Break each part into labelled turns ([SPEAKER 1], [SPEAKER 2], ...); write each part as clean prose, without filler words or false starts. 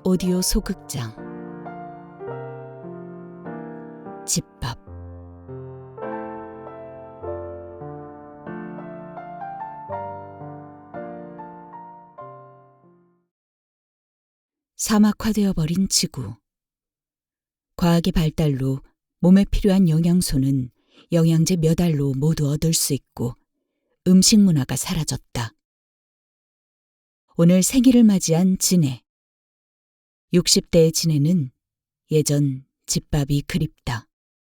[SPEAKER 1] 오디오 소극장 집밥. 사막화되어 버린 지구. 과학의 발달로 몸에 필요한 영양소는 영양제 몇 알로 모두 얻을 수 있고 음식 문화가 사라졌다. 오늘 생일을 맞이한 진해. 60대의 진해는 예전 집밥이 그립다.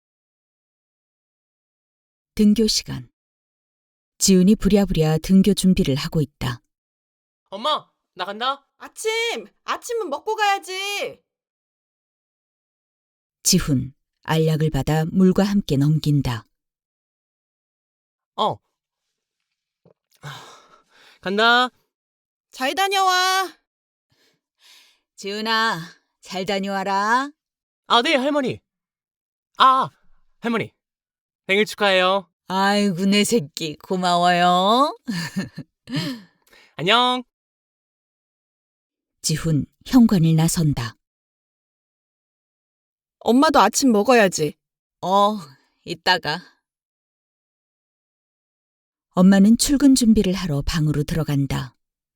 [SPEAKER 1] 등교 시간. 지훈이 부랴부랴 등교 준비를 하고 있다.
[SPEAKER 2] 엄마, 나간다.
[SPEAKER 3] 아침은 먹고 가야지.
[SPEAKER 1] 지훈, 알약을 받아 물과 함께 넘긴다.
[SPEAKER 2] 간다.
[SPEAKER 3] 잘 다녀와.
[SPEAKER 1] 지훈아, 잘 다녀와라.
[SPEAKER 2] 네, 할머니. 할머니. 생일 축하해요.
[SPEAKER 1] 아이고, 내 새끼 고마워요.
[SPEAKER 2] 안녕.
[SPEAKER 1] 지훈, 현관을 나선다.
[SPEAKER 3] 엄마도 아침 먹어야지.
[SPEAKER 1] 이따가. 엄마는 출근 준비를 하러 방으로 들어간다.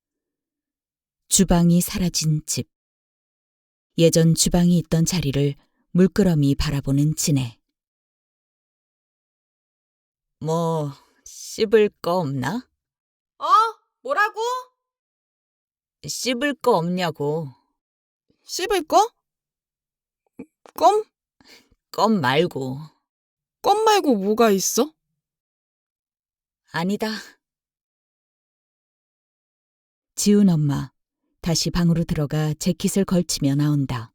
[SPEAKER 1] 주방이 사라진 집. 예전 주방이 있던 자리를 물끄러미 바라보는 진해. 씹을 거 없나?
[SPEAKER 3] 뭐라고?
[SPEAKER 1] 씹을 거 없냐고.
[SPEAKER 3] 씹을 거? 껌?
[SPEAKER 1] 껌 말고.
[SPEAKER 3] 껌 말고 뭐가 있어?
[SPEAKER 1] 아니다. 지훈 엄마 다시 방으로 들어가 재킷을 걸치며 나온다.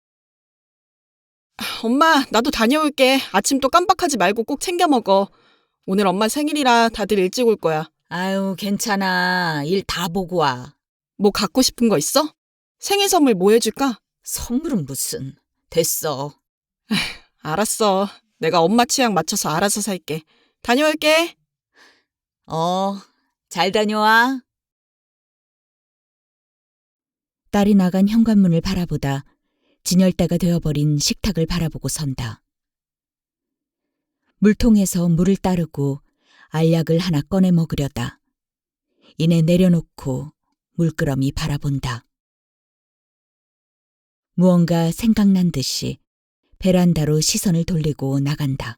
[SPEAKER 3] 엄마, 나도 다녀올게. 아침 또 깜빡하지 말고 꼭 챙겨 먹어. 오늘 엄마 생일이라 다들 일찍 올 거야.
[SPEAKER 1] 아유, 괜찮아. 일 다 보고 와.
[SPEAKER 3] 뭐 갖고 싶은 거 있어? 생일 선물 뭐 해줄까?
[SPEAKER 1] 선물은 무슨. 됐어.
[SPEAKER 3] 알았어. 내가 엄마 취향 맞춰서 알아서 살게. 다녀올게.
[SPEAKER 1] 잘 다녀와. 딸이 나간 현관문을 바라보다 진열대가 되어버린 식탁을 바라보고 선다. 물통에서 물을 따르고 알약을 하나 꺼내 먹으려다. 이내 내려놓고 물끄러미 바라본다. 무언가 생각난 듯이 베란다로 시선을 돌리고 나간다.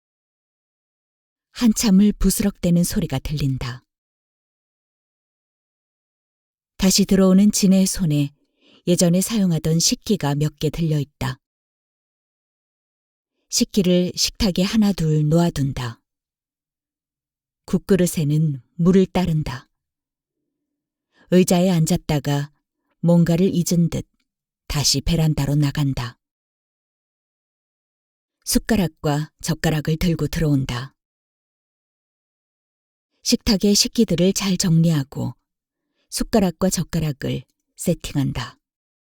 [SPEAKER 1] 한참을 부스럭대는 소리가 들린다. 다시 들어오는 진해의 손에 예전에 사용하던 식기가 몇 개 들려있다. 식기를 식탁에 하나 둘 놓아둔다. 국그릇에는 물을 따른다. 의자에 앉았다가 뭔가를 잊은 듯 다시 베란다로 나간다. 숟가락과 젓가락을 들고 들어온다. 식탁의 식기들을 잘 정리하고 숟가락과 젓가락을 세팅한다.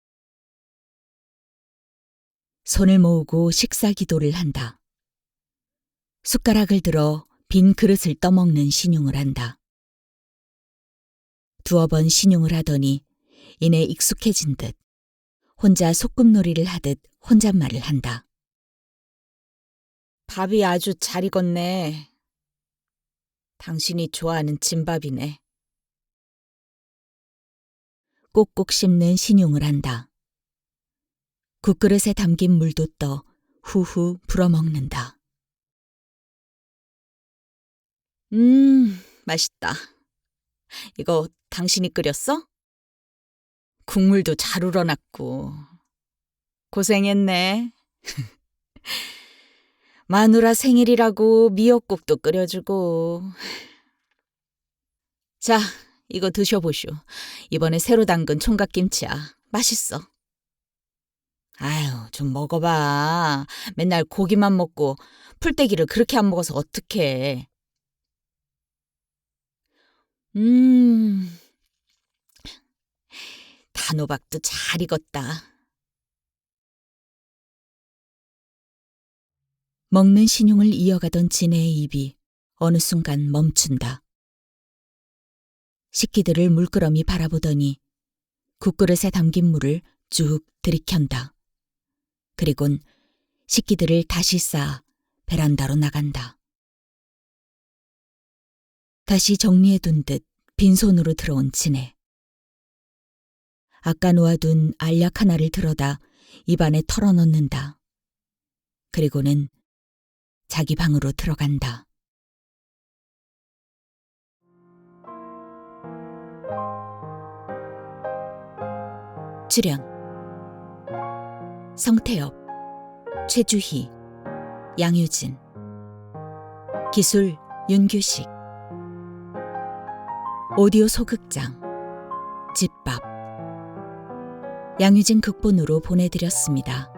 [SPEAKER 1] 손을 모으고 식사 기도를 한다. 숟가락을 들어 빈 그릇을 떠먹는 신용을 한다. 두어 번 신용을 하더니 이내 익숙해진 듯 혼자 소꿉놀이를 하듯 혼잣말을 한다. 밥이 아주 잘 익었네. 당신이 좋아하는 진밥이네. 꼭꼭 씹는 신용을 한다. 국그릇에 담긴 물도 떠 후후 불어먹는다. 맛있다. 이거 당신이 끓였어? 국물도 잘 우러났고. 고생했네. 마누라 생일이라고 미역국도 끓여주고. 자, 이거 드셔보쇼. 이번에 새로 담근 총각김치야. 맛있어. 아유, 좀 먹어봐. 맨날 고기만 먹고 풀떼기를 그렇게 안 먹어서 어떡해. 단호박도 잘 익었다. 먹는 신용을 이어가던 진해의 입이 어느 순간 멈춘다. 식기들을 물끄러미 바라보더니 국그릇에 담긴 물을 쭉 들이켠다. 그리곤 식기들을 다시 쌓아 베란다로 나간다. 다시 정리해둔 듯 빈손으로 들어온 진해. 아까 놓아둔 알약 하나를 들어다 입안에 털어넣는다. 그리고는 자기 방으로 들어간다. 출연 성태엽, 최주희, 양유진. 기술 윤규식. 오디오 소극장 집밥. 양유진 극본으로 보내드렸습니다.